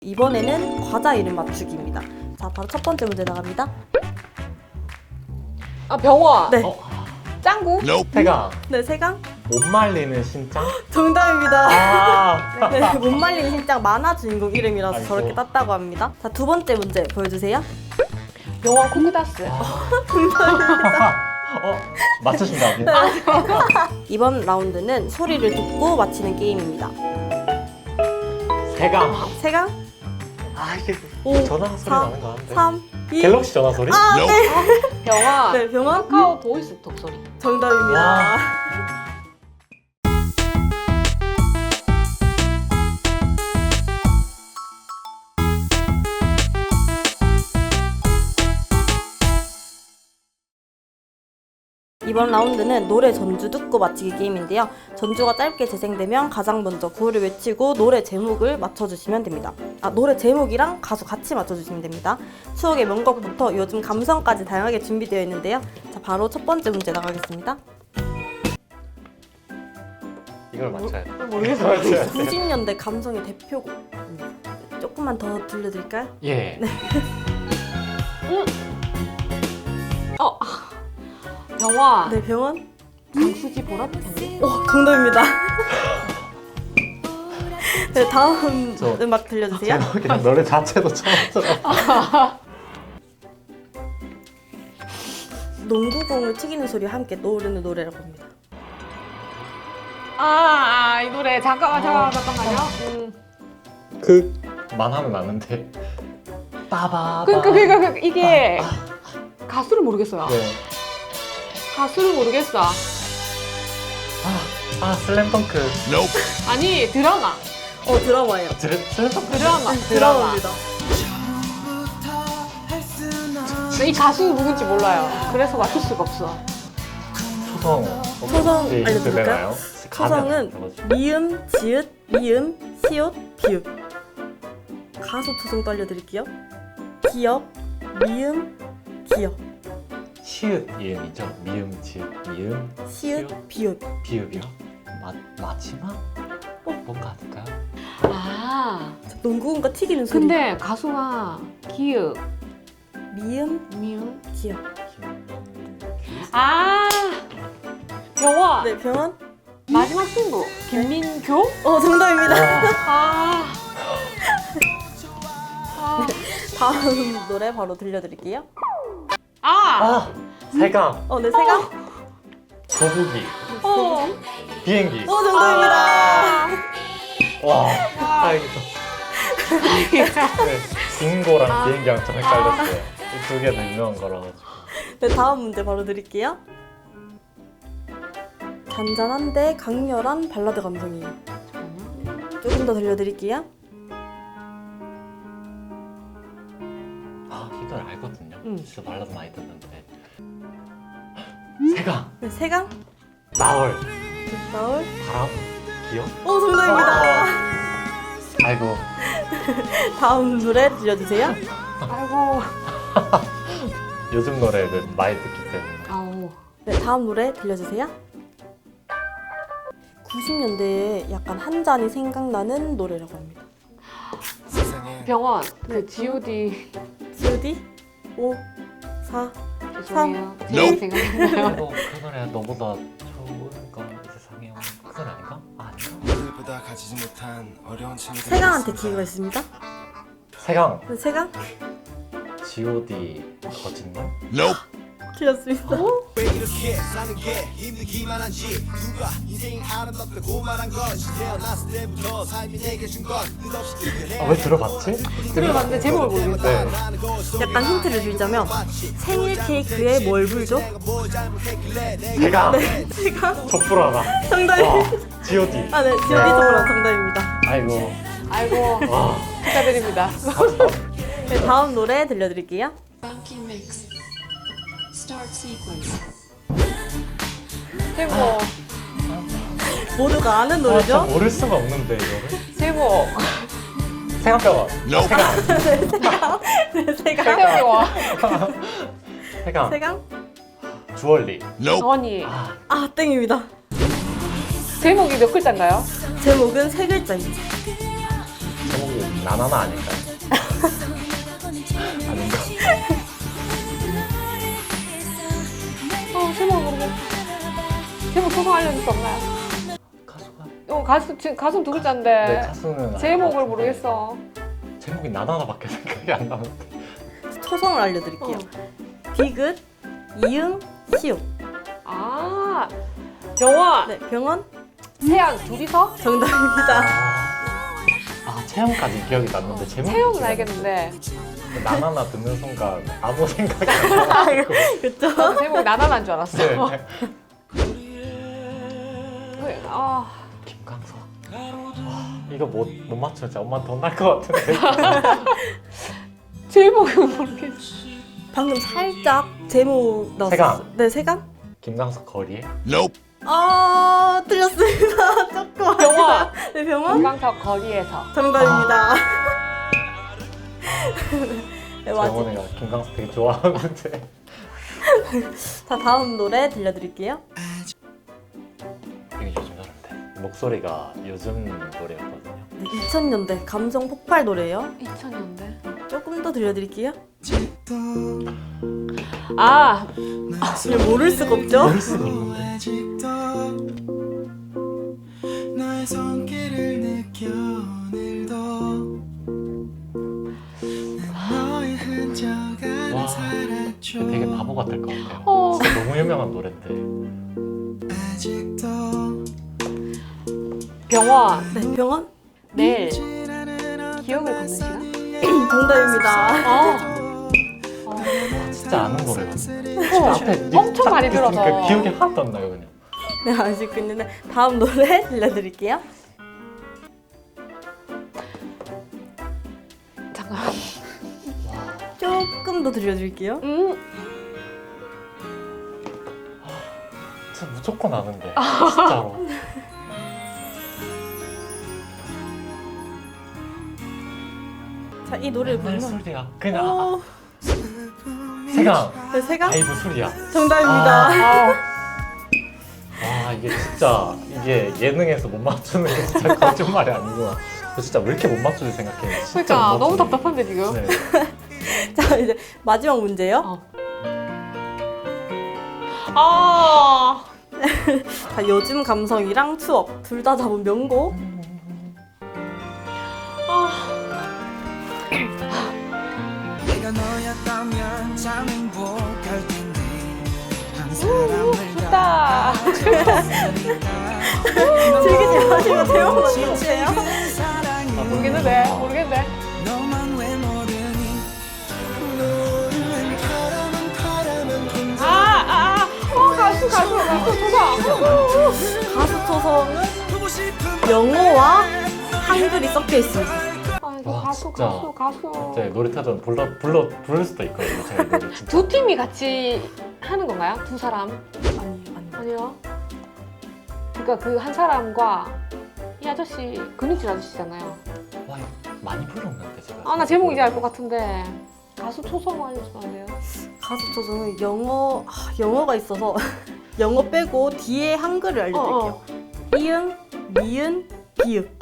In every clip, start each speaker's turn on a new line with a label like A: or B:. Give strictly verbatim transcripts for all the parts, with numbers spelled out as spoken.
A: 이번에는 과자 이름 맞추기입니다. 자, 바로 첫 번째 문제 나갑니다.
B: 아 병원.
A: 네.
C: 어?
B: 짱구.
C: 태강.
A: 네, 세강.
C: 못 말리는 신짱?
A: 정답입니다.
C: 아.
A: 네, 못 말린 신장 만화 주인공 이름이라서
C: 아이고.
A: 저렇게 땄다고 합니다. 자, 두 번째 문제 보여주세요.
B: 병원 코그다스.
C: 어? 맞추신다.
A: 이번 라운드는 소리를 듣고 맞히는 게임입니다.
C: 태강.
A: 세강.
C: 아 이게
A: 오,
C: 전화 소리
A: 사,
C: 나는 거 같은데.
A: 삼, 이.
C: 갤럭시 전화 소리?
A: 아, 네.
B: 병원.
A: 네, 병원.
B: 카카오 보이스톡 소리.
A: 정답입니다.
C: 와.
A: 이번 라운드는 노래 전주 듣고 맞히기 게임인데요. 전주가 짧게 재생되면 가장 먼저 구호를 외치고 노래 제목을 맞춰주시면 됩니다. 아, 노래 제목이랑 가수 같이 맞춰주시면 됩니다. 추억의 명곡부터 요즘 감성까지 다양하게 준비되어 있는데요. 자, 바로 첫 번째 문제 나가겠습니다.
C: 이걸 맞춰야 돼.
B: 모르겠어요.
A: 구십 년대 감성의 대표곡. 조금만 더 들려드릴까요?
C: 예.
B: 어. 병원.
A: 네, 병원.
B: 강수지 보라트 텐데.
A: 오, 정답입니다. 네, 다음
C: 저
A: 음악 들려주세요.
C: 제목이랑 노래 자체도 처음 들어.
A: 농구공을 튀기는 소리와 함께 노르는 노래라고 합니다.
B: 아, 아, 이 노래 잠깐만, 잠깐만, 잠깐만요. 음.
C: 그만 하면 아는데. 빠바바.
B: 그러니까, 그러니까, 그러니까 이게 가수를 모르겠어요.
C: 네.
B: 가수를 모르겠어.
C: 아, 아 슬램덩크.
B: 아니 드라마.
A: 어, 드라마예요.
C: 슬- 슬램덩크.
B: 드라마.
A: 네, 드라마입니다.
B: 근데 이 가수는 누군지 몰라요. 그래서 맞출 수가 없어.
C: 초성.
A: 초성
C: 혹시 힌트
A: 알려드릴까요?
C: 되나요?
A: 초성은
C: 가면
A: 미음, 지읒, 미음, 시옷, 비읍. 가수 초성도 알려드릴게요. 기업, 미음, 기업,
C: 시읒 이음이죠. 미음, 지읒, 미음,
A: 시읒, 비읍.
C: 비읍이요? 마, 마지막? 어? 뭔가 아닐까요?
B: 아,
A: 농구공과 튀기는 소리.
B: 근데 가수가 기읍,
A: 미음,
B: 미음.
A: 기업.
B: 아, 병원.
A: 네, 병원.
B: 마지막 승부. 김민교?
A: 어, 정답입니다.
B: 아. 아.
A: 다음 노래 바로 들려드릴게요.
B: 아.
C: 아! 세강,
A: 어, 네, 세강.
C: 거북이,
B: 어.
C: 비행기.
A: 어, 정답입니다.
C: 와, 다행이다. 네, 빙고랑
B: 아.
C: 비행기랑 좀 헷갈렸어요. 이 두 개 다 유명한 거라가지고.
A: 네, 다음 문제 바로 드릴게요. 잔잔한데 강렬한 발라드 감성이에요. 조금 더 들려드릴게요.
C: 아, 이 노래 알거든요.
B: 응.
C: 진짜 발라드 많이 듣는데. 세강,
A: 네, 세강.
C: 나월,
A: 나올.
C: 바람, 기억?
A: 어, 정답입니다.
C: 아이고.
A: 다음 노래 들려주세요.
B: 아이고.
C: 요즘 노래를 많이 듣기 때문에.
B: 아우.
A: 네, 다음 노래 들려주세요. 구십 년대에 약간 한 잔이 생각나는 노래라고 합니다.
B: 병원. 그 지오디.
A: 지오디 오, 사,
B: 죄송해요.
A: 삼,
B: 제 생각나요.
C: 아이고, 그 노래 너보다 좋은 건 이 세상에 그 노래 아닌가? 아, 아닌가?
D: 오늘보다 가지지 못한 어려운 친구들
A: 세강한테 기회가 있습니다.
C: 세강,
A: 네, 세강
C: 지오디 거짓말?
A: 틀렸습니다.
D: 왜 이렇게 사는 게 힘들기만 한지 누가 인생이 아름답다고 말한 건지 태어났을 때부터 삶이 내게 준 건 끝없이 그래
C: 아, 왜 들어봤지?
B: 들어봤는데 제목을 모르겠어요.
C: 네.
A: 약간 힌트를 드리자면 생일 케이크에 뭘 불죠?
C: 세강,
A: 세강
C: 촛불 하나.
A: 정답입니다.
C: 와, 지오디.
A: 아, 네, 지오디 정답 정답입니다.
C: 아이고.
B: 아이고.
C: 와.
B: 축하드립니다.
A: 네, 다음 노래 들려드릴게요.
E: Funky mix. Start sequence.
B: 제목.
A: 모두가 아는
C: 아, 진짜
A: 노래죠?
C: 모를 수가 없는데 이거를.
B: 제목.
C: 세강병원. 세강.
A: 네, 세강
B: 태영이와
C: 세강.
A: 세강
C: 주얼리.
B: 원이.
C: 아,
A: 아, 땡입니다.
B: 제목이 몇 글자인가요?
A: 제목은 세 글자입니다.
C: 제목이 나나나 아닐까요? 아닌가?
B: 어, 제목 모르겠어. 제목 소송 알려줄 수 없나요?
C: 가수가
B: 어, 가수, 지금 가수 두
C: 네,
B: 글자인데
C: 가수는
B: 제목을
C: 알것
B: 모르겠어.
C: 같은데 제목이 나나나밖에 생각이 안 나는데.
A: 초성을 알려드릴게요. 비긋, 이응, 시옷.
B: 아, 병원,
A: 네, 병원
B: 세양 둘이서?
A: 정답입니다.
C: 아 채영까지 기억이 났는데 제목이
B: 채용은
C: 기억이 안
B: 알겠는데
C: 나나나 듣는 순간 아무 생각이 안 나고.
A: 그쵸?
B: 나도 제목이 나나난 줄 알았어.
C: 네.
B: 왜, 아,
C: 김광석. 와, 이거 못, 못 맞추면 진짜 엄마 돈 날 것 같은데.
B: 제목은 모르겠어.
A: 방금 살짝 제목 넣었어요.
C: 세강.
A: 네, 세강?
C: 김광석 거리에?
D: Nope.
A: 아, 틀렸습니다. 조금.
B: 병원,
A: 네, 병원?
B: 김광석 거리에서.
A: 정답입니다. 네, 맞지.
C: 정원이가 김광석 되게 좋아하는데.
A: 자, 다음 노래 들려드릴게요.
C: 이게 요즘 노래인데 목소리가 요즘 노래였거든요.
A: 네, 이천 년대 감성 폭발 노래예요.
B: 이천 년대.
A: 조금 더 들려드릴게요.
B: 아,
A: 이걸 모를 수가 없죠?
C: 모를 수가 없는데.
D: 나의 손길을 느껴 오늘도 너의 흔적 안에
C: 와,
D: 살았죠.
C: 되게 바보 같을 것 같아요.
B: 어.
C: 진짜 너무 유명한 노래인데.
D: 아직도
B: 병원,
A: 네, 병원?
B: 내일,
D: 지나는
B: 기억을 걷는 시간?
A: 정답입니다.
B: 어,
C: 진짜 아는 노래거든요.
B: 어,
C: 앞에
B: 엄청
C: 딱
B: 많이
C: 있으니까
B: 들어서.
C: 기억이 하나도 안 나요 그냥.
A: 네, 아시고 있는데 다음 노래 들려드릴게요.
B: 잠깐.
A: 조금 더 들려드릴게요.
B: 음,
C: 진짜 무조건 아는데 진짜로.
A: 자, 이 노래를
C: 맨날
A: 부르면
C: 술이야. 그냥 아,
A: 어,
C: 세강.
A: 네, 세강?
C: 아이브 술이야.
A: 정답입니다.
B: 아,
C: 와 이게 진짜 이게 예능에서 못 맞추는 게 진짜 거짓말이 아니구나. 저 진짜 왜 이렇게 못 맞추지 생각해. 진짜
B: 그러니까
C: 못
B: 너무
C: 맞추네.
B: 답답한데 지금.
C: 네.
A: 자, 이제 마지막 문제예요.
B: 어. 아,
A: 자, 요즘 감성이랑 추억 둘 다 잡은 명곡.
D: 내가 너였다면 참 행복할 텐데 한
B: 우,
D: 사람을
B: 좋다.
A: 즐기지 마시고 제목만 들으세요.
C: 아,
B: 모르겠는데, 모르겠는데.
D: 너만 왜 모르니 노는 바람은 바람은 혼자
B: 아, 아, 아, 어, 가수, 가수, 가수, 조사.
A: 가수 초성은
D: 보고 싶은
A: 영어와 한글이 섞여 있습니다.
B: 아, 이거
C: 와,
B: 가수,
C: 진짜.
B: 가수, 가수.
C: 제 노래타전 불러 불러 부를 수도 있거든요. 제가 노래 진짜.
B: 두 팀이 같이 하는 건가요? 두 사람?
A: 아니, 아니.
B: 아니요. 그러니까 그 한 사람과 이 아저씨 근육질 아저씨잖아요.
C: 와 이거 많이 불렀는데 제가.
B: 아, 나 제목 이제 알 것 같은데 가수 초성 알려주면 안 돼요?
A: 가수 초성은 영어, 아, 영어가 있어서 영어 빼고 뒤에 한글을 알려드릴게요.
B: 어, 어.
A: 이응, 미은, 비읍.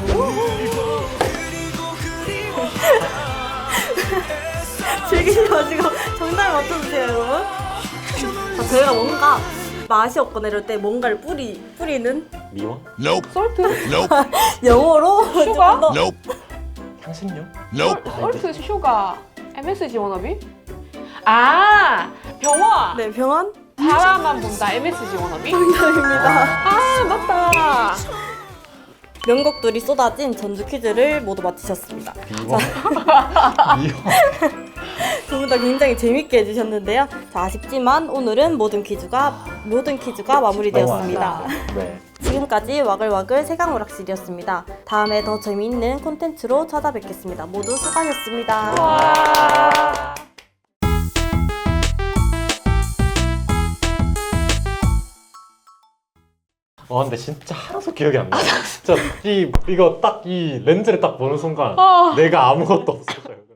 A: 즐기지 마시고 정답 맞춰주세요, 여러분. 자, 저희가 뭔가 맛이 없거나 이럴 때 뭔가를 뿌리, 뿌리는
C: 미원?
D: Nope,
B: 솔트?
D: nope,
A: 영어로
B: 슈가?
A: 조금 더
D: nope,
C: 향신료?
D: nope.
B: 솔트, 슈가, 엠에스지 워너비? 아, 병원!
A: 네, 병원
B: 바라만 본다, 엠에스지 워너비?
A: 정답입니다.
B: 아, 맞다.
A: 명곡들이 쏟아진 전주 퀴즈를 모두 마치셨습니다.
C: 미원? 미원?
A: 두 분 다 굉장히 재밌게 해주셨는데요. 자, 아쉽지만 오늘은 모든 퀴즈가 모든 퀴즈가 마무리되었습니다.
C: 네.
A: 지금까지 와글와글 세강오락실이었습니다. 다음에 더 재미있는 콘텐츠로 찾아뵙겠습니다. 모두 수고하셨습니다.
B: 와.
C: 와 근데 진짜 하나도 기억이 안 나. 진짜 이 이거 딱 이 렌즈를 딱 보는 순간
B: 어.
C: 내가 아무것도 없었어요.